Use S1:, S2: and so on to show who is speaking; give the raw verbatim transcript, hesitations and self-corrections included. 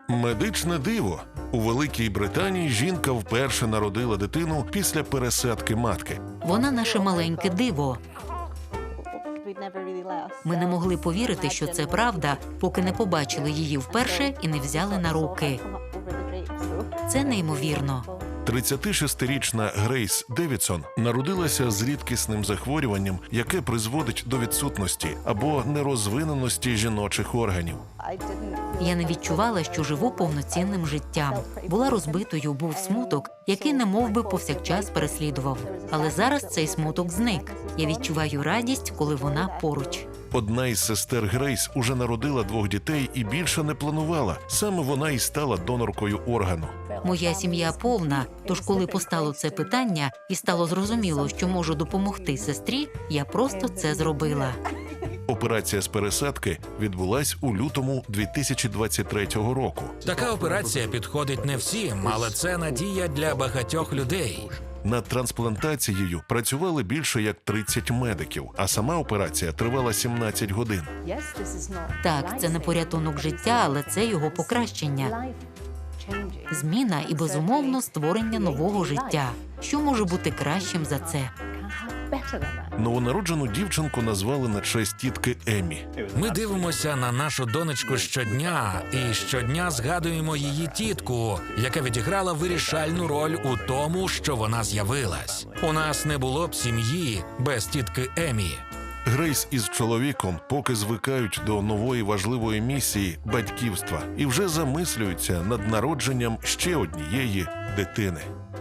S1: Медичне диво. У Великій Британії жінка вперше народила дитину після пересадки матки.
S2: Вона наше маленьке диво. Ми не могли повірити, що це правда, поки не побачили її вперше і не взяли на руки. Це неймовірно.
S1: тридцятишестирічна Грейс Девідсон народилася з рідкісним захворюванням, яке призводить до відсутності або нерозвиненості жіночих органів.
S2: Я не відчувала, що живу повноцінним життям. Була розбитою, був смуток, який немов би повсякчас переслідував. Але зараз цей смуток зник. Я відчуваю радість, коли вона поруч.
S1: Одна із сестер Грейс уже народила двох дітей і більше не планувала. Саме вона і стала доноркою органу.
S2: Моя сім'я повна, тож коли постало це питання і стало зрозуміло, що можу допомогти сестрі, я просто це зробила.
S1: Операція з пересадки відбулась у лютому дві тисячі двадцять третього року.
S3: Така операція підходить не всім, але це надія для багатьох людей.
S1: Над трансплантацією працювали більше як тридцять медиків, а сама операція тривала сімнадцять годин.
S2: Так, це не порятунок життя, але це його покращення. Зміна і, безумовно, створення нового життя. Що може бути кращим за це?
S1: Новонароджену дівчинку назвали на честь тітки Емі.
S3: Ми дивимося на нашу донечку щодня і щодня згадуємо її тітку, яка відіграла вирішальну роль у тому, що вона з'явилась. У нас не було б сім'ї без тітки Емі.
S1: Грейс із чоловіком поки звикають до нової важливої місії – батьківства і вже замислюються над народженням ще однієї дитини.